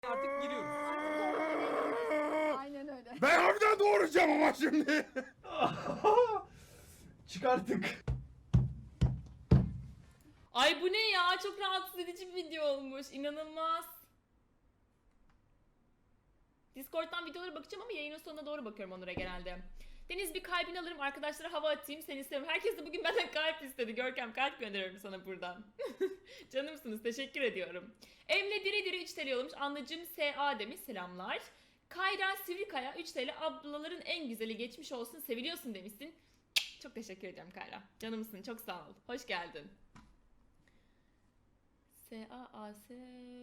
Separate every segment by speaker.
Speaker 1: Artık giriyoruz.
Speaker 2: Aynen öyle.
Speaker 3: Ben harbiden doğuracağım ama şimdi.
Speaker 1: Çıkarttık.
Speaker 4: Ay bu ne ya? Çok rahatsız edici bir video olmuş. İnanılmaz. Discord'dan videolara bakacağım ama yayının sonuna doğru bakıyorum onlara genelde. Deniz bir kalbini alırım, arkadaşlara hava atayım, seni isterim. Herkes de bugün benden kalp istedi. Görkem kalp gönderiyorum sana buradan. Canımsınız, teşekkür ediyorum. Emre diri diri 3 TL yollamış. Anlıcım SA demiş, selamlar. Kayra Sivrikaya 3 TL, ablaların en güzeli geçmiş olsun, seviliyorsun demişsin. Çok teşekkür ederim Kayra. Canımsın, çok sağ ol. Hoş geldin. S-A-A-S...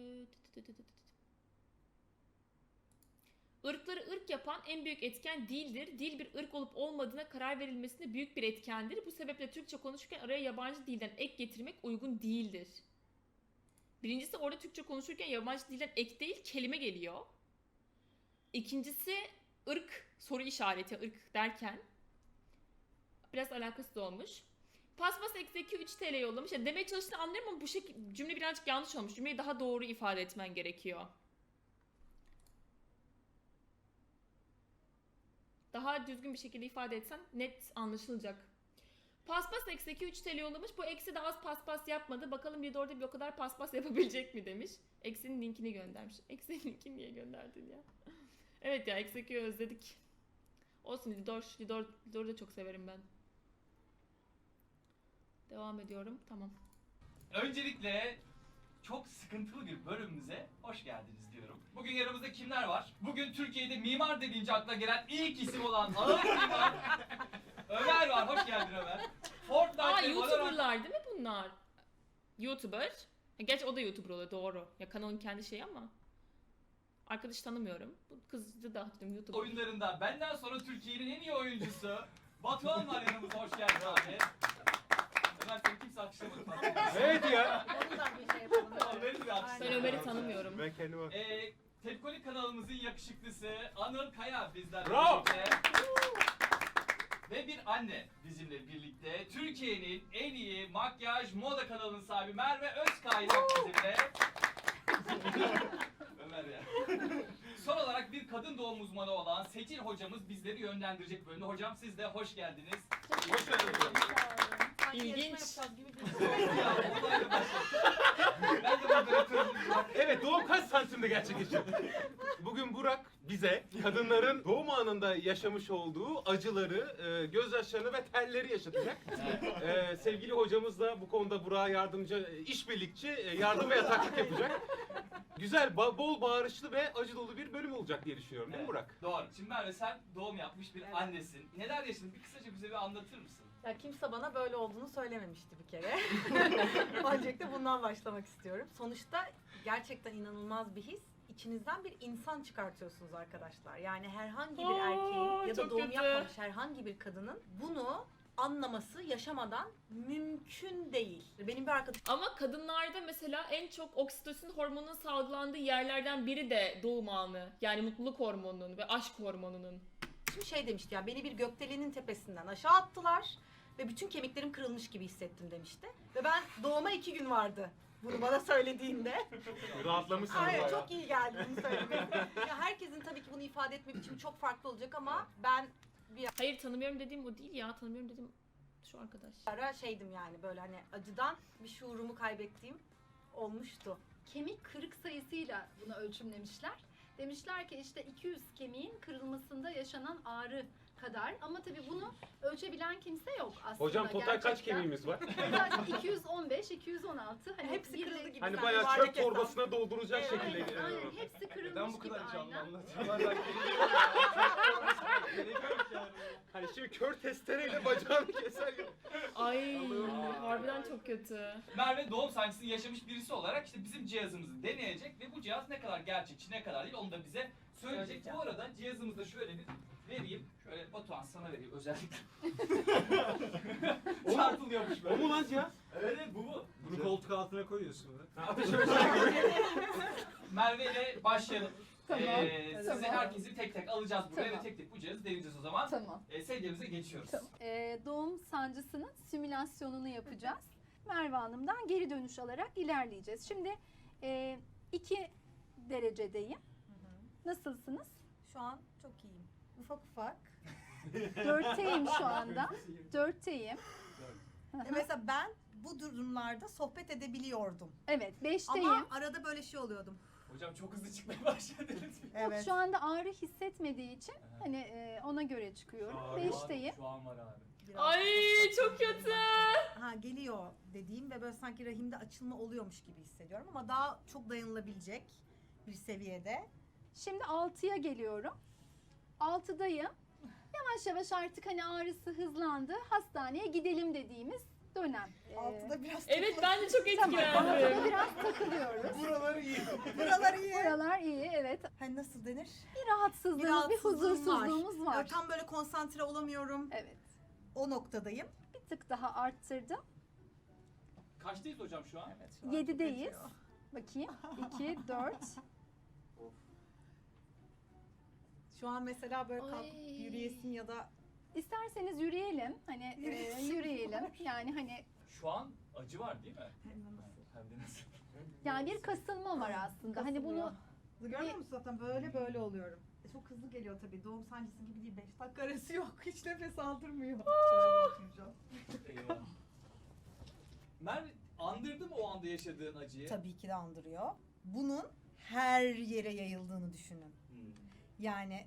Speaker 4: Irkları ırk yapan en büyük etken dildir. Dil bir ırk olup olmadığına karar verilmesinde büyük bir etkendir. Bu sebeple Türkçe konuşurken araya yabancı dilden ek getirmek uygun değildir. Birincisi orada Türkçe konuşurken yabancı dilden ek değil kelime geliyor. İkincisi ırk soru işareti ırk derken biraz alakasız olmuş. Paspas eksi 3 TL yollamış. Ya demeye çalıştığını anlıyorum ama bu cümle birazcık yanlış olmuş. Cümleyi daha doğru ifade etmen gerekiyor. Daha düzgün bir şekilde ifade etsen net anlaşılacak. Paspas eksi 3 TL yollamış. Bu eksi de az paspas yapmadı. Bakalım bir de orada bir o kadar paspas yapabilecek mi demiş. Eksinin linkini göndermiş. Eksinin linkini niye gönderdin ya? Evet ya eksi özledik. Olsun Lidor'u da çok severim ben. Devam ediyorum. Tamam.
Speaker 1: Öncelikle çok sıkıntılı bir bölümümüze hoş geldiniz diyorum. Bugün yanımızda kimler var? Bugün Türkiye'de mimar dediğince akla gelen ilk isim olan ağır mimar Ömer var. Hoş geldin Ömer. Fortnite'de
Speaker 4: YouTuber'lar değil mi bunlar? YouTuber. Gerçi o da YouTuber oluyor doğru. Ya kanalın kendi şeyi ama. Arkadaş tanımıyorum. Bu kızı da hatırlıyorum YouTuber.
Speaker 1: oyunlarında benden sonra Türkiye'nin en iyi oyuncusu Batuhan var yanımızda. Hoş geldin abi. Ömer seni kimse alkışlamadı.
Speaker 3: Evet ya.
Speaker 2: Ondan bir şey yapalım.
Speaker 1: Ömer'i bir alkışlayalım.
Speaker 4: Ben Ömer'i tanımıyorum.
Speaker 3: Ben kendime...
Speaker 1: Tepkolik kanalımızın yakışıklısı Anıl Kaya bizlerle
Speaker 3: Bravo.
Speaker 1: birlikte. Ve bir anne bizimle birlikte. Türkiye'nin en iyi makyaj moda kanalının sahibi Merve Özkaynak bizimle. Ömer ya. Son olarak bir kadın doğum uzmanı olan Seçil hocamız bizleri yönlendirecek bölümde. Hocam siz de hoş geldiniz. Hoş geldiniz.
Speaker 4: İlginç.
Speaker 1: Ben de moderatörüm.
Speaker 3: Evet, doğum kaç santimde gerçekleşiyor? Bugün Burak bize kadınların doğum anında yaşamış olduğu acıları, gözyaşlarını ve telleri yaşatacak. Sevgili hocamız da bu konuda Burak'a yardımcı, işbirlikçi, yardım ve yataklık yapacak. Güzel, bol bağırışlı ve acı dolu bir bölüm olacak diye düşünüyorum değil mi Burak?
Speaker 1: Doğru. Şimdi Merve sen doğum yapmış bir annesin. Neler yaşadın? Bir kısaca bize bir anlatır mısın?
Speaker 5: Ya kimse bana böyle olduğunu söylememişti bir kere. Öncelikle bundan başlamak istiyorum. Sonuçta gerçekten inanılmaz bir his. İçinizden bir insan çıkartıyorsunuz arkadaşlar. Yani herhangi bir erkeğin ya da
Speaker 4: çok
Speaker 5: doğum
Speaker 4: kötü.
Speaker 5: yapmamış herhangi bir kadının bunu anlaması yaşamadan mümkün değil. Benim bir arkadaşım
Speaker 4: Ama kadınlarda mesela en çok oksitosin hormonunun salgılandığı yerlerden biri de doğum anı. Yani mutluluk hormonunun ve aşk hormonunun.
Speaker 5: şey demişti ya, beni bir gökdelenin tepesinden aşağı attılar ve bütün kemiklerim kırılmış gibi hissettim demişti. Ve ben doğuma 2 gün vardı bunu bana söylediğinde.
Speaker 3: Rahatlamışsın.
Speaker 5: Aynen,
Speaker 3: bayağı.
Speaker 5: çok iyi geldi bunu söylemesi. Ya herkesin tabii ki bunu ifade etme biçimi çok farklı olacak ama ben
Speaker 4: Hayır tanımıyorum dediğim o değil ya. Tanımıyorum dediğim şu arkadaş.
Speaker 5: ara şeydim yani, böyle hani acıdan bir şuurumu kaybettiğim olmuştu.
Speaker 2: Kemik kırık sayısıyla bunu ölçümlemişler. Demişler ki işte 200 kemiğin kırılmasında yaşanan ağrı kadar. Ama tabii bunu ölçebilen kimse yok aslında.
Speaker 3: Hocam total kaç
Speaker 2: gerçekten.
Speaker 3: kemiğimiz var?
Speaker 2: Zaten 215, 216. Hani
Speaker 5: Hepsi
Speaker 2: biri-
Speaker 5: kırıldı gibi.
Speaker 3: Hani
Speaker 5: sen
Speaker 3: bayağı
Speaker 5: yuvarlak
Speaker 3: çöp
Speaker 5: hesap.
Speaker 3: torbasına dolduracak
Speaker 5: Evet,
Speaker 3: şekilde.
Speaker 2: Aynen hepsi kırılmış
Speaker 1: Neden bu
Speaker 2: gibi
Speaker 1: kadar canlı
Speaker 2: aynen.
Speaker 1: anlatıyorlar? Bak, gerek yok yani.
Speaker 3: Hani şimdi kör testereyle bacağını keser gibi.
Speaker 4: Ay harbiden çok kötü.
Speaker 1: Merve doğum sancısını yaşamış birisi olarak işte bizim cihazımızı deneyecek ve bu cihaz ne kadar gerçekçi ne kadar değil onu da bize söyleyecek.
Speaker 5: Söyleyeceğim.
Speaker 1: Bu arada cihazımızda şöyle bir vereyim. Şöyle Batuhan sana vereyim özellikle. Çarpılıyormuş
Speaker 3: O
Speaker 1: böyle.
Speaker 3: mu lan ya?
Speaker 1: Evet bu.
Speaker 6: Bunu koltuk altına koyuyorsun.
Speaker 3: Ateş ölçer.
Speaker 1: Merve ile başlayalım.
Speaker 2: Tamam,
Speaker 1: Sizi
Speaker 2: tamam.
Speaker 1: herkesi tek tek alacağız buraya
Speaker 2: Tamam.
Speaker 1: ve tek tek bu cihazı deneyeceğiz o zaman.
Speaker 2: Tamam.
Speaker 1: Sevgimize geçiyoruz.
Speaker 2: Tamam. Doğum sancısının simülasyonunu yapacağız. Merve Hanım'dan geri dönüş alarak ilerleyeceğiz. Şimdi iki derecedeyim. Nasılsınız?
Speaker 5: Şu an çok iyiyim. Ufak ufak.
Speaker 2: 4'teyim şu anda. 4'teyim.
Speaker 5: Mesela ben bu durumlarda sohbet edebiliyordum.
Speaker 2: Evet, 5'teyim.
Speaker 5: Ama arada böyle şey oluyordum.
Speaker 1: Hocam çok hızlı çıkmaya başladınız.
Speaker 5: Evet.
Speaker 2: Şu anda ağrı hissetmediği için hani ona göre çıkıyorum. 5'teyim.
Speaker 1: Şu an var abi.
Speaker 5: Biraz
Speaker 4: Ay
Speaker 5: ufak
Speaker 4: çok
Speaker 5: ufak
Speaker 4: kötü.
Speaker 5: Ha geliyor dediğim ve böyle sanki rahimde açılma oluyormuş gibi hissediyorum ama daha çok dayanılabilecek bir seviyede.
Speaker 2: Şimdi 6'ya geliyorum. 6'dayım. Yavaş yavaş artık hani ağrısı hızlandı. Hastaneye gidelim dediğimiz dönem.
Speaker 5: Altıda biraz
Speaker 4: Evet ben de çok
Speaker 2: Tamam, 6'da
Speaker 4: etkilendim.
Speaker 2: biraz takılıyoruz.
Speaker 3: Buraları iyi.
Speaker 5: buralar iyi.
Speaker 2: Buralar iyi, evet.
Speaker 5: Hani nasıl denir?
Speaker 2: Bir rahatsızlığımız, bir
Speaker 5: rahatsızlığım
Speaker 2: huzursuzluğumuz var.
Speaker 5: Tam böyle konsantre olamıyorum.
Speaker 2: Evet.
Speaker 5: O noktadayım.
Speaker 2: Bir tık daha arttırdım.
Speaker 1: Kaçtayız hocam şu an?
Speaker 5: Evet, şu an
Speaker 2: 7'deyiz.
Speaker 5: çok acıyor.
Speaker 2: Bakayım. 2, 4.
Speaker 5: Şu an mesela böyle kalkıp
Speaker 4: Ay.
Speaker 5: yürüyesim ya da
Speaker 2: İsterseniz yürüyelim. Hani
Speaker 5: Yürüyesim
Speaker 2: yürüyelim.
Speaker 5: var.
Speaker 2: Yani hani
Speaker 1: Şu an acı var değil mi? Hem de nasıl?
Speaker 2: yani bir kasılma var aslında. Hani bunu
Speaker 5: Görüyor musun zaten böyle oluyorum. Çok hızlı geliyor tabii. Doğum sancısı gibi değil. 5 dakika arası yok. Hiç nefes aldırmıyor. Şöyle oturacağım.
Speaker 1: Eyvah. Merve andırdı mı o anda yaşadığın acıyı?
Speaker 5: Tabii ki de andırıyor. Bunun her yere yayıldığını düşünün.
Speaker 1: Hmm.
Speaker 5: Yani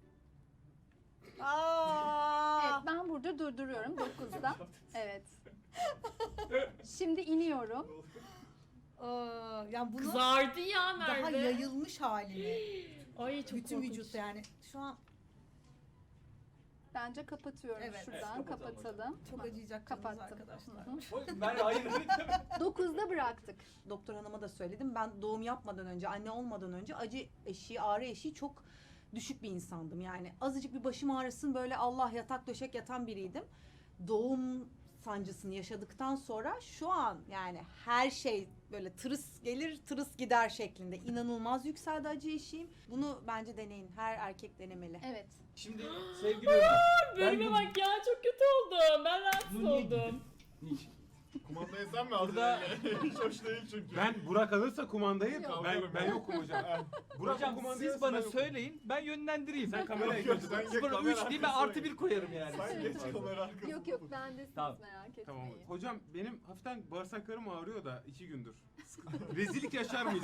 Speaker 2: evet, ben burada durduruyorum 9'da. Evet. Şimdi iniyorum.
Speaker 5: Yani bunu
Speaker 4: Kızardı ya
Speaker 5: daha
Speaker 4: Merve.
Speaker 5: yayılmış halini
Speaker 4: Ay çok
Speaker 5: bütün
Speaker 4: korkunç.
Speaker 5: vücutta yani şu an
Speaker 2: Bence kapatıyorum
Speaker 5: Evet.
Speaker 2: şuradan.
Speaker 1: Evet, kapatalım
Speaker 2: kapatalım.
Speaker 5: çok acıyacak canınız
Speaker 2: Kapattım.
Speaker 5: arkadaşlar.
Speaker 2: Hı hı.
Speaker 1: Oy, Merve hayır.
Speaker 2: 9'da bıraktık.
Speaker 5: Doktor hanıma da söyledim. Ben doğum yapmadan önce, anne olmadan önce acı eşiği, ağrı eşiği çok düşük bir insandım. Yani azıcık bir başım ağrısın böyle Allah yatak döşek yatan biriydim. Doğum sancısını yaşadıktan sonra şu an yani her şey böyle tırıs gelir tırıs gider şeklinde inanılmaz yükseldi acı eşiğim. Bunu bence deneyin. Her erkek denemeli.
Speaker 2: Evet.
Speaker 1: Şimdi sevgili Ömer.
Speaker 4: Bölüme bak ya çok kötü oldum. Ben rahatsız
Speaker 1: Bunu niye
Speaker 4: oldum.
Speaker 1: Niçin?
Speaker 6: Kumandayı sen mi aldın?
Speaker 1: Burada-
Speaker 6: Hiç hoş değil çünkü.
Speaker 3: Ben Burak alırsa kumandayı
Speaker 2: Yok.
Speaker 3: ben yokum hocam. Burak
Speaker 1: Hocam
Speaker 3: kumandayı
Speaker 1: siz bana
Speaker 3: alırsa ben yokum.
Speaker 1: söyleyin ben yönlendireyim.
Speaker 3: Sen kameraya
Speaker 6: Yok,
Speaker 3: geç.
Speaker 6: sen geç,
Speaker 1: 0'a
Speaker 6: kamera
Speaker 1: 3 değil ben
Speaker 6: arkasına
Speaker 1: artı
Speaker 6: geç.
Speaker 1: 1 koyarım yani.
Speaker 6: Sen geç kamera arkasına.
Speaker 2: Yok yok bendesiniz
Speaker 1: Tamam.
Speaker 2: merak etmeyin.
Speaker 3: Tamam. Hocam benim hafiften bağırsaklarım ağrıyor da 2 gündür. Rezillik yaşar mıyız?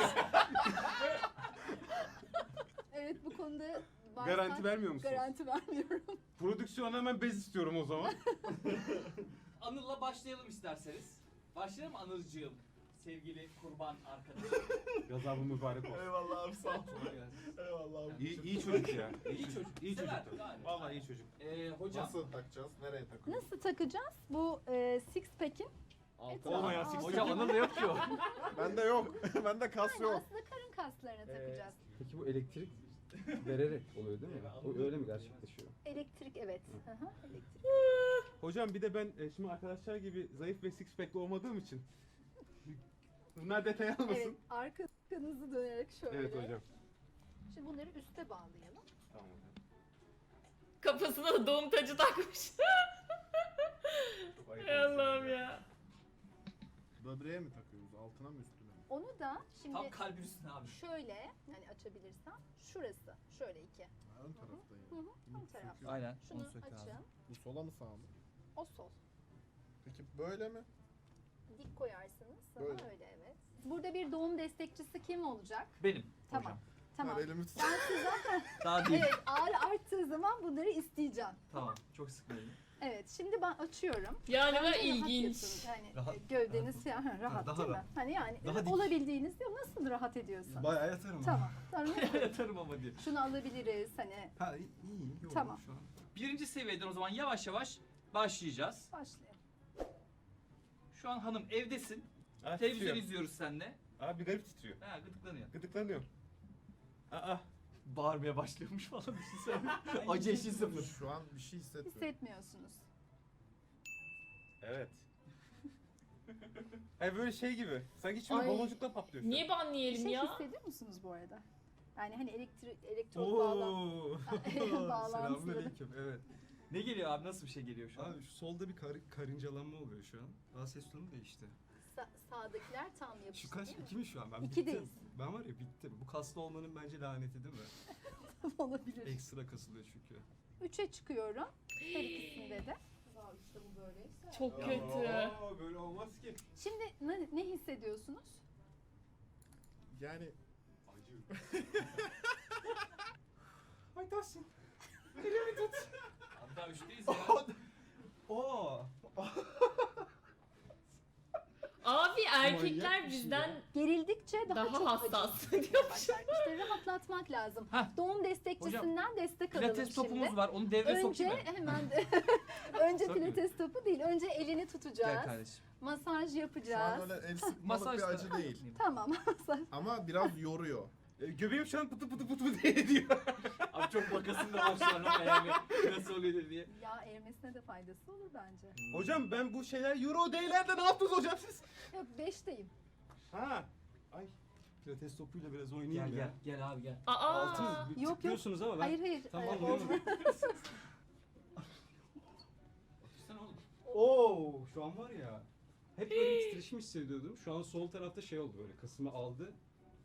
Speaker 2: Evet bu konuda varsa
Speaker 3: Garanti vermiyor musunuz?
Speaker 2: Garanti vermiyorum.
Speaker 3: Prodüksiyona hemen bez istiyorum o zaman.
Speaker 1: Anıl'la başlayalım isterseniz. Başlayalım mı Anılcığım? Sevgili kurban arkadaşım.
Speaker 3: Gazabı mübarek olsun.
Speaker 6: Eyvallah abi sağ ol.
Speaker 1: Kolay gelsin.
Speaker 6: Eyvallah abi.
Speaker 3: İyi çocuk ya.
Speaker 1: İyi çocuk.
Speaker 3: İyi çocuk.
Speaker 1: Sever,
Speaker 3: tabii.
Speaker 1: gayet.
Speaker 3: Vallahi iyi çocuk.
Speaker 1: Hocam.
Speaker 6: Nasıl takacağız? Nereye takıyoruz?
Speaker 2: Nasıl takacağız? Bu six pack'in
Speaker 1: Altına.
Speaker 3: Olmayan six
Speaker 1: Hocam Anıl'da yok ki o.
Speaker 6: Bende yok. Bende kas
Speaker 2: yani
Speaker 6: yok.
Speaker 2: aslında karın kaslarına takacağız.
Speaker 7: Peki bu elektrik vererek oluyor değil mi? O öyle mi gerçekleşiyor?
Speaker 2: Elektrik evet. Hı hı, elektrik.
Speaker 3: Hocam bir de ben şimdi arkadaşlar gibi zayıf ve six pack'li olmadığım için bunlar detay almasın.
Speaker 2: Evet arkanızı dönerek şöyle.
Speaker 3: Evet hocam.
Speaker 2: Şimdi bunları üste bağlayalım.
Speaker 3: Tamam hocam.
Speaker 4: Kafasına da doğum tacı takmış.
Speaker 3: Çok ayıp
Speaker 4: Ey
Speaker 3: olmuş
Speaker 4: Allah'ım ya.
Speaker 6: Böbreğe mi takıyoruz? Altına mı üstüne mi?
Speaker 2: Onu da şimdi
Speaker 1: Tam kalbin üstüne abi.
Speaker 2: şöyle yani açabilirsem şurası şöyle iki.
Speaker 6: Ha, ön taraftayım.
Speaker 2: Hı hı, ön taraf.
Speaker 1: Aynen.
Speaker 2: Şunu açın.
Speaker 6: Bu sola mı sağa mı?
Speaker 2: O sol.
Speaker 6: Peki böyle mi?
Speaker 2: Dik koyarsınız. Sana
Speaker 6: Böyle.
Speaker 2: öyle evet. Burada bir doğum destekçisi kim olacak?
Speaker 1: Benim.
Speaker 2: Tamam.
Speaker 1: Hocam.
Speaker 2: Tamam.
Speaker 6: Ver elimi tut.
Speaker 2: Ben sizden
Speaker 1: Daha değil.
Speaker 2: evet ağrı arttığı zaman bunları isteyeceğim.
Speaker 1: Tamam. Çok sıkmayın.
Speaker 2: Evet şimdi ben açıyorum.
Speaker 4: Ya ne
Speaker 2: Bence
Speaker 4: kadar
Speaker 2: rahat
Speaker 4: ilginç.
Speaker 2: yatın. Yani
Speaker 1: Rahat.
Speaker 2: gövdeniz yani rahat
Speaker 1: Daha
Speaker 2: değil mi?
Speaker 1: rahat.
Speaker 2: Hani yani
Speaker 1: Daha dik.
Speaker 2: olabildiğiniz diyor nasıl rahat ediyorsun?
Speaker 6: Bayağı yatarım.
Speaker 2: Tamam. Sonra
Speaker 1: Yatarım ama diye.
Speaker 2: şunu alabiliriz hani
Speaker 6: Ha iyi. Yok,
Speaker 2: Tamam.
Speaker 6: Şu an.
Speaker 1: Birinci seviyeden o zaman yavaş yavaş başlayacağız.
Speaker 2: başlayalım.
Speaker 1: Şu an hanım evdesin.
Speaker 3: Aa,
Speaker 1: Televizyon
Speaker 3: titriyor.
Speaker 1: izliyoruz seninle.
Speaker 3: Abi bir garip titriyor.
Speaker 1: Ha gıdıklanıyor.
Speaker 3: Gıdıklanıyor. Aa.
Speaker 1: Bağırmaya başlıyormuş falan düşünsene. Acı eşi sıfır.
Speaker 6: Şu an bir şey hissetmiyorum.
Speaker 2: Hissetmiyorsunuz.
Speaker 3: Evet. Böyle şey gibi. Sanki içime
Speaker 4: Ay.
Speaker 3: baloncukla patlıyor şu an.
Speaker 4: Niye
Speaker 2: Bir
Speaker 4: banlayalım
Speaker 2: şey
Speaker 4: ya?
Speaker 2: hissediyor musunuz bu arada? Yani hani elektrot bağlantıları.
Speaker 8: Selamünaleyküm. Evet.
Speaker 1: Ne geliyor abi? Nasıl bir şey geliyor şu an?
Speaker 8: Abi şu solda bir karıncalanma oluyor şu an. Daha ses tonu değişti.
Speaker 2: Sağdakiler tam
Speaker 8: Şu
Speaker 2: yapıştı
Speaker 8: kaç?
Speaker 2: değil mi?
Speaker 8: 2 mi şu an? Ben
Speaker 2: İkideyiz.
Speaker 8: bittim. Ben var ya bittim. Bu kaslı olmanın bence laneti değil mi?
Speaker 2: Olabilir.
Speaker 8: Ekstra kasılıyor çünkü.
Speaker 2: 3'e çıkıyorum. Her ikisinde de. İşte bu böyleyse.
Speaker 4: Çok
Speaker 3: Ya,
Speaker 4: kötü.
Speaker 3: böyle olmaz ki.
Speaker 2: Şimdi ne hissediyorsunuz?
Speaker 6: Yani
Speaker 3: Ay Tahsin.
Speaker 1: Abi daha 3'teyiz ya.
Speaker 8: Oo.
Speaker 4: Abi erkekler
Speaker 8: Manyak bir şey
Speaker 4: bizden
Speaker 8: ya.
Speaker 2: Gerildikçe daha çok
Speaker 4: hassas
Speaker 2: acı.
Speaker 4: diyormuş.
Speaker 2: İşte rahatlatmak lazım.
Speaker 1: Heh.
Speaker 2: Doğum destekçisinden destek alalım
Speaker 1: Pilates
Speaker 2: şimdi.
Speaker 1: topumuz var. Onu devreye
Speaker 2: Önce
Speaker 1: sokayım mı?
Speaker 2: hemen önce
Speaker 8: Sokma.
Speaker 2: pilates topu değil. Önce elini
Speaker 1: Gel
Speaker 2: tutacağız.
Speaker 1: kardeşim.
Speaker 2: Masaj
Speaker 6: şu an
Speaker 2: yapacağız.
Speaker 6: öyle el sıkmalık
Speaker 1: Masaj
Speaker 6: bir acı değil.
Speaker 2: Tamam. Masaj.
Speaker 6: Ama biraz yoruyor.
Speaker 3: Göbeğim şu an pıtı pıtı pıtı pıtı diye ediyor.
Speaker 1: Abi çok bakasın da var şu an ama yani nasıl oluyor diye.
Speaker 2: Yağ erimesine de faydası olur bence.
Speaker 3: Hocam ben bu şeyler Euro Day'lerde ne yaptınız hocam siz?
Speaker 2: Yok 5'teyim.
Speaker 3: Ha. Ay.
Speaker 8: Pilates topuyla biraz oynayayım
Speaker 1: Gel
Speaker 8: ya.
Speaker 1: gel gel abi gel.
Speaker 4: Aa.
Speaker 8: Altın
Speaker 2: yok.
Speaker 8: tıklıyorsunuz ama ben
Speaker 2: Hayır.
Speaker 8: tam
Speaker 2: Ee,
Speaker 8: anlayamadım.
Speaker 1: Sen oğlum.
Speaker 8: Oo, şu an var ya. Hep böyle bir titreşim hissediyordum. Şu an sol tarafta şey oldu böyle kasımı aldı.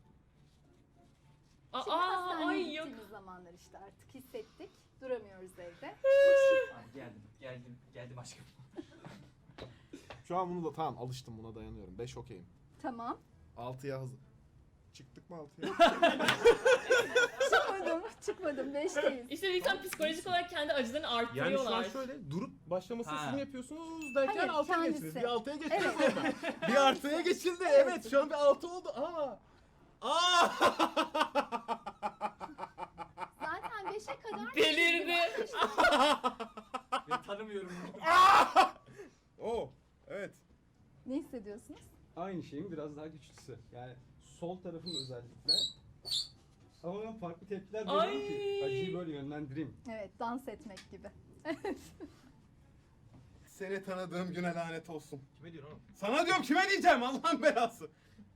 Speaker 2: Şimdi
Speaker 4: Aa,
Speaker 2: hastaneye
Speaker 4: ay yok.
Speaker 2: gittiğimiz zamanlar işte artık hissettik. Duramıyoruz evde.
Speaker 1: Abi geldim aşkım.
Speaker 6: Şu an bunu da tamam alıştım, buna dayanıyorum. 5 okeyim.
Speaker 2: Tamam.
Speaker 6: 6'ya hazır. Çıktık mı 6'ya?
Speaker 2: Çıkmadım. 5'teyiz.
Speaker 4: İşte insan psikolojik olarak kendi acılarını
Speaker 3: Yani şu
Speaker 4: arttırıyorlar.
Speaker 3: an şöyle durup başlamasını
Speaker 1: Ha.
Speaker 3: sizin yapıyorsunuz derken
Speaker 2: Hayır,
Speaker 3: 6'ya
Speaker 2: kendisi.
Speaker 3: geçtiniz. Bir 6'ya geçtiniz
Speaker 2: Evet.
Speaker 3: orada. Bir artıya geçildi. Evet şu an bir 6 oldu. Aa. Aa.
Speaker 2: Zaten 5'e kadar
Speaker 4: Delirdi.
Speaker 1: Ben tanımıyorum.
Speaker 6: Oo, evet.
Speaker 2: Ne hissediyorsunuz?
Speaker 8: Aynı şeyin biraz daha güçlüsü. Yani sol tarafım özellikle. Ama ben farklı tepkiler veriyorum ki
Speaker 4: Ay.
Speaker 8: acıyı böyle yönlendireyim.
Speaker 2: Evet, dans etmek gibi.
Speaker 6: Seni tanıdığım güne lanet olsun.
Speaker 3: Kime diyorsun oğlum?
Speaker 6: Sana diyorum, kime diyeceğim, Allah'ın belası.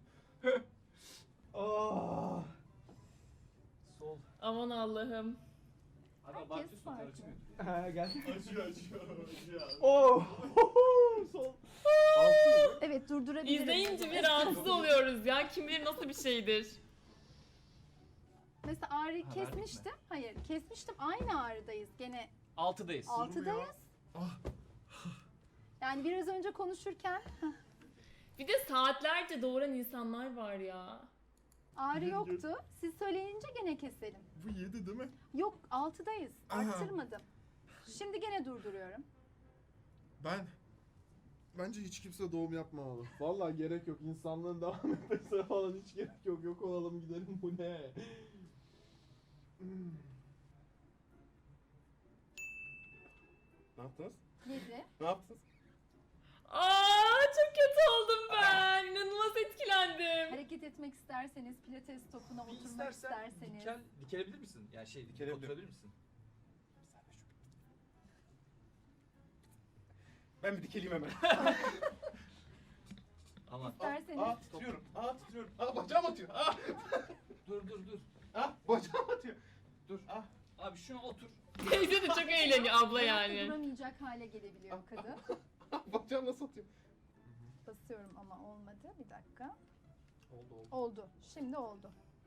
Speaker 3: Aa.
Speaker 1: Sol.
Speaker 4: Aman Allah'ım.
Speaker 1: Abi
Speaker 2: Herkes
Speaker 1: abartıyorsun
Speaker 2: farklı.
Speaker 1: karı çıkıyor.
Speaker 8: Ha gel.
Speaker 6: Acıyor.
Speaker 8: Oo. Sol. Altı.
Speaker 2: Evet, durdurabilirim.
Speaker 4: İzleyince bir rahatsız oluyoruz ya. Kim bilir nasıl bir şeydir.
Speaker 2: Mesela ağrıyı
Speaker 1: Ha, verdik
Speaker 2: kesmiştim. Hayır, kesmiştim. Aynı ağrıdayız. Gene
Speaker 1: 6'dayız.
Speaker 2: 6'dayız.
Speaker 6: Ah.
Speaker 2: Yani biraz önce konuşurken
Speaker 4: Bir de saatlerce doğuran insanlar var ya.
Speaker 2: ağrı yoktu. Siz söyleyince gene keselim.
Speaker 6: Bu 7 değil mi?
Speaker 2: Yok, 6'dayız.
Speaker 6: Aha.
Speaker 2: Arttırmadım. Şimdi gene durduruyorum.
Speaker 6: Bence hiç kimse doğum yapmamalı. Vallahi gerek yok. İnsanlığın devam etmesine falan hiç gerek yok. Yok olalım gidelim, bu ne? Ne yaptınız?
Speaker 2: 7.
Speaker 6: Ne yaptınız?
Speaker 4: Aa, çok kötü oldum ben. İnanılmaz etkilendim.
Speaker 2: Hareket etmek isterseniz, pilates topuna
Speaker 1: Bir
Speaker 2: oturmak
Speaker 1: istersen
Speaker 2: isterseniz.
Speaker 1: dikelebilir misin? Yani
Speaker 6: Dikelebilirim.
Speaker 1: oturabilir misin?
Speaker 3: Ben bir dikeleyim hemen.
Speaker 1: Ama
Speaker 2: İsterseniz.
Speaker 6: Aa titriyorum. Aa titriyorum. Aa bacağım atıyor. Aa.
Speaker 1: dur.
Speaker 6: Aa bacağım atıyor.
Speaker 1: Dur. Abi şuna otur.
Speaker 4: Teyze de çok eğleniyor abla
Speaker 2: Ayakta
Speaker 4: yani.
Speaker 2: duramayacak hale gelebiliyor kadın.
Speaker 6: Bacağım nasıl atıyor?
Speaker 2: Basıyorum ama olmadı. Bir dakika.
Speaker 6: Oldu.
Speaker 2: Oldu. Şimdi oldu.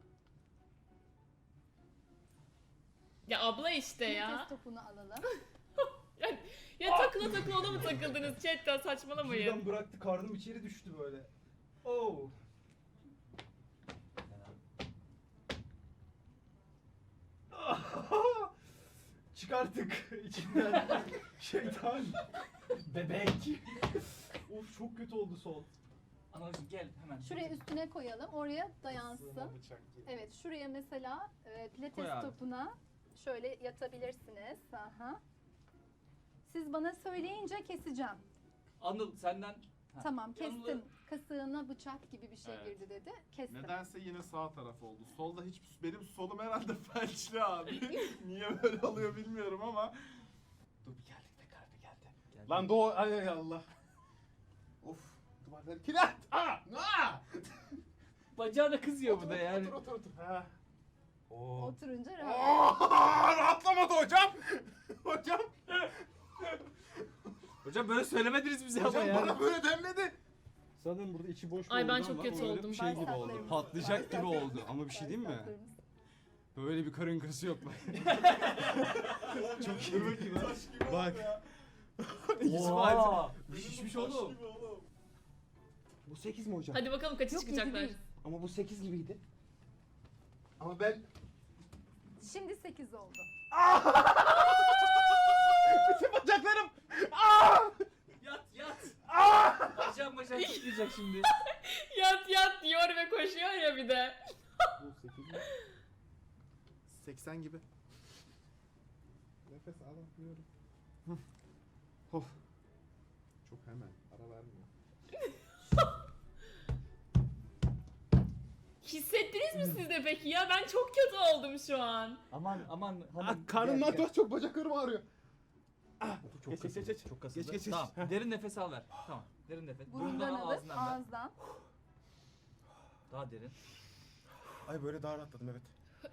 Speaker 4: Ya abla işte ya.
Speaker 2: Pilates topunu alalım.
Speaker 4: Ya takıla ona mı takıldınız chatten, saçmalamayın.
Speaker 8: Birden bıraktı, karnım içeri düştü böyle. Oo. Çıkarttık içinden şeytan.
Speaker 1: Bebek.
Speaker 8: Of çok kötü oldu sol.
Speaker 1: Anacığım gel hemen.
Speaker 2: Şuraya üstüne koyalım. Oraya dayansın.
Speaker 6: Sığma bıçak gibi.
Speaker 2: Evet, şuraya mesela
Speaker 1: Koy
Speaker 2: pilates
Speaker 1: abi.
Speaker 2: topuna şöyle yatabilirsiniz. Aha. Siz bana söyleyince keseceğim.
Speaker 1: Anıl senden. Ha.
Speaker 2: Tamam,
Speaker 1: Yanında-
Speaker 2: kestim. Kasığına bıçak gibi bir şey
Speaker 6: Evet.
Speaker 2: girdi dedi. Kestim.
Speaker 6: Nedense yine sağ taraf oldu. Solda hiç, benim solum herhalde felçli abi. Niye böyle oluyor bilmiyorum ama.
Speaker 1: Dur bir geldik be kardeşim geldi.
Speaker 6: Lan doğu, ay Allah. Of, duvarları kilit. Aa!
Speaker 1: Bacağı da kızıyor bu da yani.
Speaker 6: Otur. Ha.
Speaker 3: Oo.
Speaker 2: Oturunca rahat.
Speaker 6: Aa, rahatlamadı hocam. Hocam.
Speaker 1: Hocam böyle söylemediniz bize ama
Speaker 6: Hocam
Speaker 1: ya.
Speaker 6: bana böyle denmedi.
Speaker 8: Sanırım burada içi boş
Speaker 4: Ay, ben
Speaker 8: oldu
Speaker 4: çok
Speaker 8: ama
Speaker 4: kötü
Speaker 8: böyle
Speaker 4: oldum.
Speaker 8: Şey gibi oldu.
Speaker 2: Bağırsaklarımız.
Speaker 8: Patlayacak gibi oldu ama bir şey diyeyim mi?
Speaker 2: Bağırsaklarımız.
Speaker 8: Böyle bir karın kası yok. Çok iyi. Bak. İsmail.
Speaker 1: Oha.
Speaker 8: Şişmiş oğlum. Bu 8 mi hocam?
Speaker 4: Hadi bakalım kaçı
Speaker 2: Yok,
Speaker 4: çıkacaklar.
Speaker 2: yedi değil.
Speaker 8: Ama bu 8 gibiydi. Ama ben
Speaker 2: Şimdi 8 oldu.
Speaker 3: Bütün bacaklarım.
Speaker 1: Yat yat. Bacağım tutmayacak şimdi.
Speaker 4: Yat yat diyor ve koşuyor ya bir de.
Speaker 6: Bu 8 mi? 80 gibi. Nefes alamıyorum. Of. Çok hemen. Ara vermiyor.
Speaker 4: Hissettiniz mi siz de peki ya? Ben çok kötü oldum şu an.
Speaker 1: Aman hanım.
Speaker 6: Karnımdan daha çok bacaklarım ağrıyor.
Speaker 1: Çok
Speaker 3: Geç, geç, geç.
Speaker 1: Çok
Speaker 3: Geç, geç, geç.
Speaker 1: Tamam. Derin nefes al ver. Tamam. Derin nefes.
Speaker 2: Burundan alır,
Speaker 1: ağzından ver.
Speaker 2: ağızdan.
Speaker 1: Daha derin.
Speaker 3: Ay böyle daha rahatladım evet.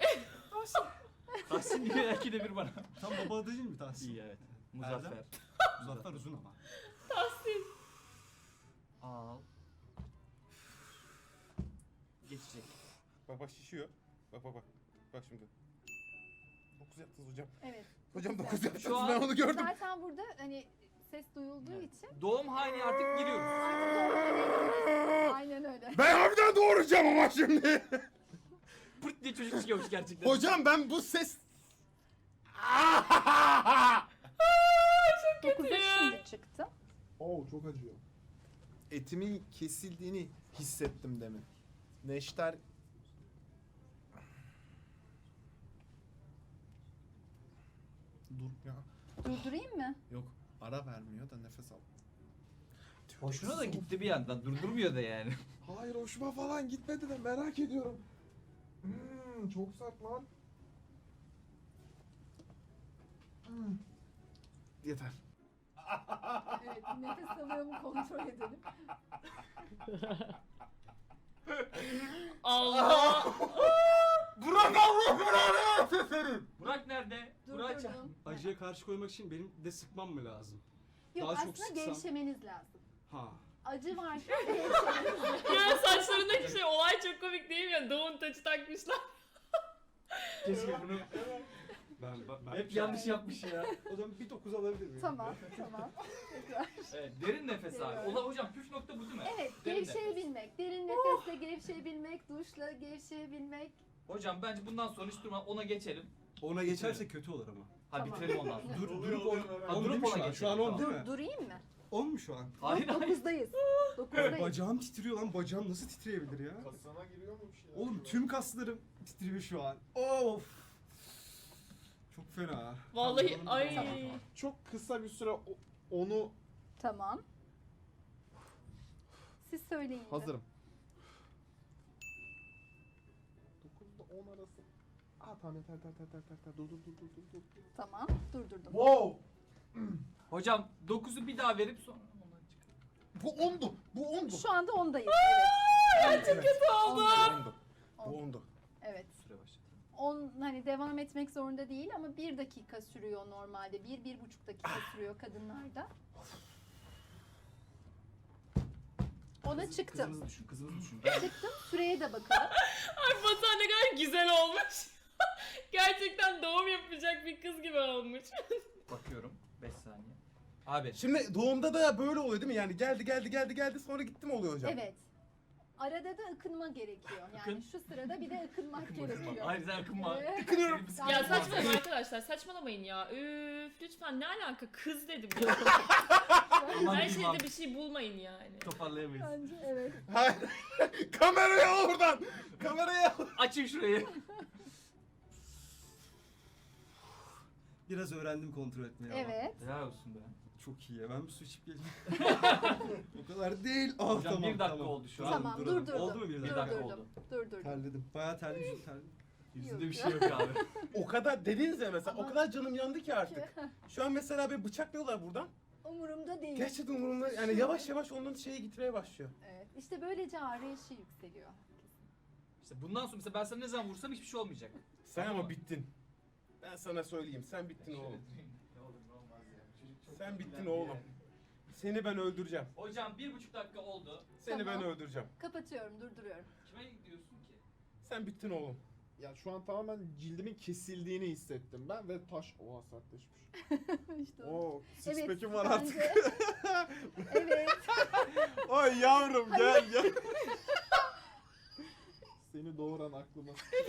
Speaker 1: Tahsin gibi belki de bir bana.
Speaker 8: Tam baba adı değil mi Tahsin?
Speaker 1: İyi evet. Muzaffer.
Speaker 8: Muzaffer uzun ama.
Speaker 4: Tahsin.
Speaker 1: Al. Geçecek.
Speaker 3: Bak bak şişiyor. Bak bak bak. Bak şimdi. 9 yaptınız hocam.
Speaker 2: Evet.
Speaker 3: Hocam
Speaker 2: Güzel.
Speaker 3: 9 yaptınız
Speaker 1: Şu an-
Speaker 3: ben onu gördüm.
Speaker 2: Zaten burada hani ses duyulduğu için
Speaker 1: Doğum haline artık giriyoruz.
Speaker 2: artık doğru. Aynen öyle.
Speaker 3: Ben harbiden doğuracağım ama şimdi.
Speaker 1: Pırt diye çocuk çıkıyormuş gerçekten.
Speaker 3: Hocam ben bu ses...
Speaker 2: 9'a şimdi çıktı.
Speaker 6: Oo çok acıyor. Etimin kesildiğini hissettim demin. Neşter... Dur ya.
Speaker 2: Durdurayım mı?
Speaker 6: Yok. Ara vermiyor da nefes al.
Speaker 1: Hoşuna da gitti bir yandan. Durdurmuyor da yani.
Speaker 6: Hayır hoşuma falan gitmedi de merak ediyorum. Çok sert lan. Yeter.
Speaker 2: Evet, nefes alıyor mu kontrol edelim.
Speaker 4: Allah.
Speaker 3: Burak Allah belanı versin senin.
Speaker 1: Burak nerede? Burak çağır.
Speaker 2: Durdurdum.
Speaker 8: Acıya karşı koymak için benim de sıkmam mı lazım?
Speaker 2: Yok
Speaker 8: Daha çok
Speaker 2: aslında
Speaker 8: sıksam-
Speaker 2: gevşemeniz lazım.
Speaker 8: Ha.
Speaker 2: Acı varken gevşemeniz lazım.
Speaker 4: Ya saçlarındaki şey olay çok komik değil mi ya? Doğum taçı takmışlar.
Speaker 1: Keşke bunu
Speaker 8: Ben
Speaker 1: hep yanlış yapmış ya.
Speaker 8: O zaman bir 9 alabilir miyim?
Speaker 2: Tamam, tamam. Tekrar.
Speaker 1: Evet, derin nefes al. Ola hocam püf nokta bu değil mi?
Speaker 2: Evet,
Speaker 1: Derin nefes.
Speaker 2: gevşeyebilmek. Derin nefesle gevşeyebilmek, duşla gevşeyebilmek.
Speaker 1: Hocam bence bundan sonra hiç durma ona geçelim.
Speaker 8: Ona geçerse kötü olur ama.
Speaker 1: Hadi
Speaker 2: Tamam.
Speaker 1: bitirelim ondan sonra.
Speaker 8: Durup on.
Speaker 1: Ha,
Speaker 8: On
Speaker 1: durup
Speaker 8: değil mi
Speaker 1: ona
Speaker 8: şu an?
Speaker 1: geçelim.
Speaker 8: Şu an 10 değil mi?
Speaker 2: Durayım mı?
Speaker 8: 10 mu şu an?
Speaker 1: Hayır hayır.
Speaker 2: 9'dayız. 9'dayız.
Speaker 8: Bacağım titriyor lan. Bacağım nasıl titreyebilir ya?
Speaker 6: Kasana giriyor mu bir şey?
Speaker 8: Oğlum tüm kaslarım titriyor şu an. Of. Çok fena.
Speaker 4: Vallahi
Speaker 8: Tamam,
Speaker 4: ay.
Speaker 8: tamam.
Speaker 6: Çok kısa bir süre onu
Speaker 2: Tamam. Siz söyleyin. de.
Speaker 6: hazırım. 9'da 10 arası. Tamam yeter. Dur.
Speaker 2: Tamam, durdurdum.
Speaker 6: Wow!
Speaker 1: Hocam 9'u bir daha verip sonra ondan çıkalım.
Speaker 6: Bu 10'du.
Speaker 2: Şu anda 10'dayız. Evet.
Speaker 4: Çok kötü oldum.
Speaker 6: 10'du. Bu
Speaker 2: On.
Speaker 6: 10'du.
Speaker 2: Evet.
Speaker 1: Süre başladı.
Speaker 2: 10 hani devam etmek zorunda değil ama 1 dakika sürüyor normalde. 1-1,5 dakika sürüyor kadınlarda. Ona çıktım.
Speaker 1: Kızımızı düşün, kızımızı düşün.
Speaker 2: Çıktım. Süreye de bakalım.
Speaker 4: Ay Batuhan ne kadar güzel olmuş. Gerçekten doğum yapacak bir kız gibi olmuş.
Speaker 1: Bakıyorum 5 saniye. Abi
Speaker 3: Şimdi doğumda da böyle oluyor değil mi? Yani geldi sonra gitti mi oluyor hocam?
Speaker 2: Evet. Arada da ıkınma gerekiyor. Yani
Speaker 1: Ikın.
Speaker 2: şu sırada bir de ıkınmak gerekiyor.
Speaker 1: Hayır sen akınma.
Speaker 2: Evet.
Speaker 1: Ikınıyorum.
Speaker 4: Ya saçmalamayın arkadaşlar, saçmalamayın ya. Üf, lütfen ne alaka? Kız dedim ya.
Speaker 1: Aman
Speaker 4: Her
Speaker 1: diyeyim abi.
Speaker 4: şeyde bir şey bulmayın yani.
Speaker 1: Toparlayamayız.
Speaker 2: Bence evet.
Speaker 3: Hayır. Kamerayı al oradan. Kamerayı al.
Speaker 1: Açın şurayı.
Speaker 8: Biraz öğrendim kontrol etmeyi ama.
Speaker 2: Evet.
Speaker 1: Helal olsun be.
Speaker 8: Çok iyi ya. Ben bir su içip geleyim. O kadar değil. Ah,
Speaker 1: Hocam
Speaker 8: tamam,
Speaker 1: bir dakika
Speaker 8: tamam.
Speaker 1: oldu şu an.
Speaker 2: Tamam,
Speaker 8: duralım.
Speaker 2: durdurdum.
Speaker 8: Oldu mu bir
Speaker 1: Bir
Speaker 8: dakika?
Speaker 1: dakika
Speaker 2: Durdurdum.
Speaker 1: oldu.
Speaker 2: Durdurdum.
Speaker 8: Terledim. Bayağı terledim.
Speaker 1: Yüzünde bir şey yok abi.
Speaker 3: O kadar dediniz ya mesela
Speaker 2: Ama-
Speaker 3: o kadar canım yandı ki artık. Şu an mesela beni bıçaklıyorlar buradan.
Speaker 2: Umurumda değil.
Speaker 3: Gerçekten umurumda yani yavaş yavaş onların şeye gitmeye başlıyor.
Speaker 2: Evet. İşte böylece arayışı yükseliyor.
Speaker 1: İşte bundan sonra mesela ben sana ne zaman vursam hiçbir şey olmayacak.
Speaker 3: Sen
Speaker 1: Tamam
Speaker 3: ama
Speaker 1: mı?
Speaker 3: bittin. Ben sana söyleyeyim sen bittin oğlum.
Speaker 1: Ne olur ne olmaz ya. Çocuk çok
Speaker 3: Sen bittin
Speaker 1: kirlendi
Speaker 3: oğlum.
Speaker 1: yani.
Speaker 3: Seni ben öldüreceğim.
Speaker 1: Hocam 1,5 dakika oldu.
Speaker 3: Seni ben
Speaker 2: Tamam.
Speaker 3: öldüreceğim.
Speaker 2: Kapatıyorum, durduruyorum.
Speaker 1: Kime gidiyorsun ki?
Speaker 3: Sen bittin oğlum.
Speaker 6: Ya şu an tamamen cildimin kesildiğini hissettim ben ve taş... Oha sertleşmiş.
Speaker 2: İşte o.
Speaker 6: Oo, six
Speaker 2: Evet,
Speaker 6: pack'im var artık.
Speaker 2: bence- Evet.
Speaker 6: Ay yavrum gel gel. Seni doğuran aklıma.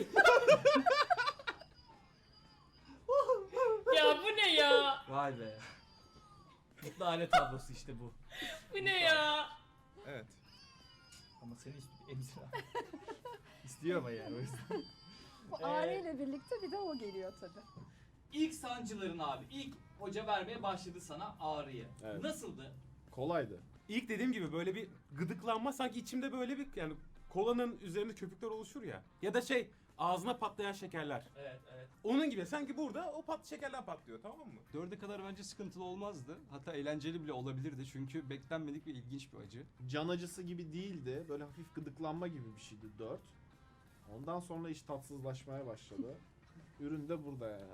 Speaker 4: Ya bu ne ya?
Speaker 1: Vay be. Mutlu aile tablosu işte bu.
Speaker 4: Bu ne ya?
Speaker 3: Evet.
Speaker 1: Ama seni emzir abi. İstiyor ama yani o yüzden.
Speaker 2: Bu ağrıyla birlikte bir de o geliyor tabii.
Speaker 1: İlk sancıların abi, ilk hoca vermeye başladı sana ağrıyı.
Speaker 6: Evet.
Speaker 1: Nasıldı?
Speaker 6: Kolaydı.
Speaker 3: İlk dediğim gibi böyle bir gıdıklanma, sanki içimde böyle bir, yani kolanın üzerinde köpükler oluşur ya. Ya da şey, ağzına patlayan şekerler.
Speaker 1: Evet, evet.
Speaker 3: Onun gibi sanki burada o şekerler patlıyor, tamam mı?
Speaker 8: 4'e kadar bence sıkıntılı olmazdı. Hatta eğlenceli bile olabilirdi çünkü beklenmedik ve ilginç bir acı.
Speaker 6: Can acısı gibi değildi. Böyle hafif gıdıklanma gibi bir şeydi 4. Ondan sonra iş tatsızlaşmaya başladı. Ürün de burada yani.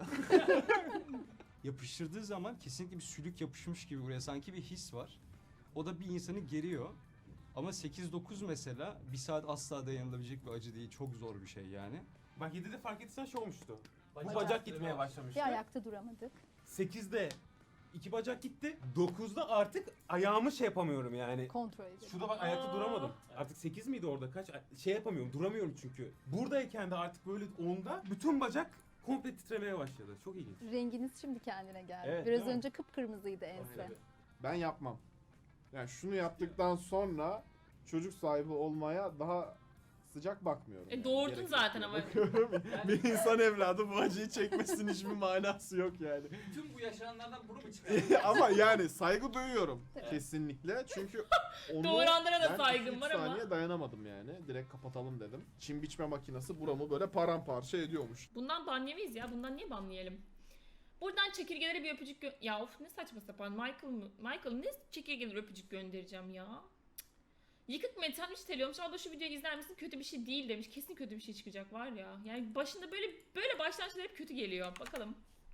Speaker 8: Yapıştırdığı zaman kesinlikle bir sülük yapışmış gibi buraya, sanki bir his var. O da bir insanı geriyor. Ama 8-9 mesela bir saat asla dayanılabilecek bir acı değil. Çok zor bir şey yani.
Speaker 3: Bak 7'de fark etsen şey olmuştu. Bu
Speaker 1: Bacak
Speaker 3: bacak
Speaker 1: kırmaya
Speaker 3: gitmeye başlamıştı.
Speaker 2: Bir ayakta duramadık.
Speaker 3: 8'de 2 bacak gitti. 9'da artık ayağımı şey yapamıyorum yani.
Speaker 2: Kontrol edelim.
Speaker 3: Şurada bak ayakta
Speaker 4: Aa.
Speaker 3: duramadım. Artık 8 miydi orada, kaç? Şey yapamıyorum, duramıyorum çünkü. Buradayken de artık böyle 10'da bütün bacak komple titremeye başladı. Çok ilginç.
Speaker 2: Renginiz şimdi kendine geldi.
Speaker 3: Evet,
Speaker 2: Biraz
Speaker 3: değil mi?
Speaker 2: önce kıpkırmızıydı ense.
Speaker 3: Aynen.
Speaker 6: Ben yapmam. Yani şunu yaptıktan sonra çocuk sahibi olmaya daha sıcak bakmıyorum. yani.
Speaker 4: Doğurdun
Speaker 6: Gerek
Speaker 4: zaten
Speaker 6: yok
Speaker 4: ama.
Speaker 6: diye bakıyorum. Bir insan evladı bu acıyı çekmesinin hiçbir manası yok yani.
Speaker 1: Tüm bu yaşananlardan bunu mu çıkardın?
Speaker 6: Ama yani saygı duyuyorum
Speaker 2: Evet.
Speaker 6: kesinlikle. Çünkü onu
Speaker 4: Doğuranlara da
Speaker 6: ben
Speaker 4: saygım
Speaker 6: 2-3
Speaker 4: var ama.
Speaker 6: saniye dayanamadım yani. Direkt kapatalım dedim. Çim biçme makinesi buramı böyle paramparça ediyormuş.
Speaker 4: Bundan banlayamayız ya. Bundan niye banlayalım? Buradan çekirgelere bir öpücük Ya of, ne saçma sapan. Michael ne çekirgelere öpücük göndereceğim ya? Cık. Yıkık metal teliyormuş. Abla şu videoyu izler misin? Kötü bir şey değil demiş. Kesin kötü bir şey çıkacak var ya. Yani başında böyle başlangıçlar hep kötü geliyor. Bakalım.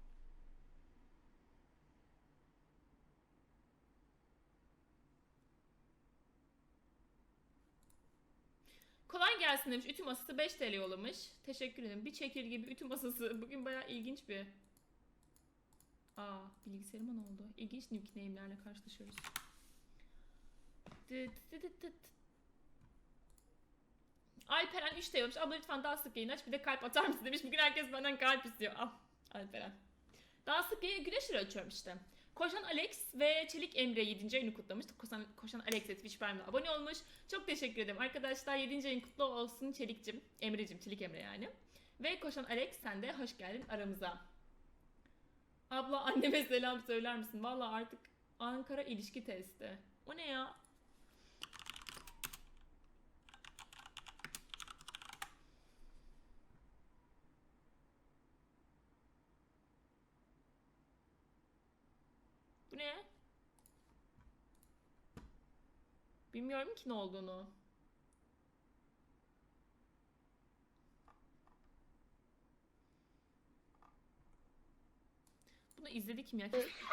Speaker 4: Kolay gelsin demiş. Ütü masası 5 TL yollamış. Teşekkür ederim. Bir çekirge bir ütü masası. Bugün bayağı ilginç bir. Bilgisayarıma ne oldu? İlginç nickname'lerle karşılaşıyoruz. Alperen 3 demiş. Abla lütfen daha sık yayın aç. Bir de kalp atar mısın demiş. Bugün herkes benden kalp istiyor. Al Alperen. Daha sık yayın güneşleri açıyorum işte. Koşan Alex ve Çelik Emre 7. ayını kutlamış. Koşan Alex Twitch Prime'le abone olmuş. Çok teşekkür ederim arkadaşlar. 7. ayın kutlu olsun Çelik'cim. Emre'cim, Çelik Emre yani. Ve Koşan Alex, sen de hoş geldin aramıza. Abla anneme selam söyler misin? Vallahi artık Ankara ilişki testi. O ne ya? Bu ne? Bilmiyorum ki ne olduğunu. Bunu izledik mi ya?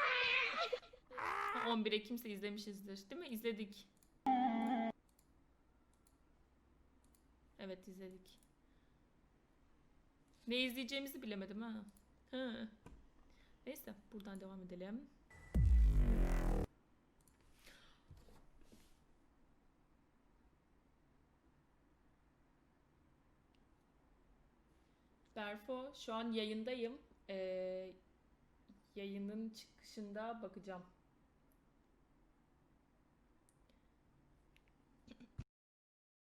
Speaker 4: 11 Ekim'se izlemişizdir. Değil mi? İzledik. Evet, izledik. Ne izleyeceğimizi bilemedim ha. Hı. Neyse, buradan devam edelim. Berfo, şu an yayındayım. Yayının çıkışında bakacağım.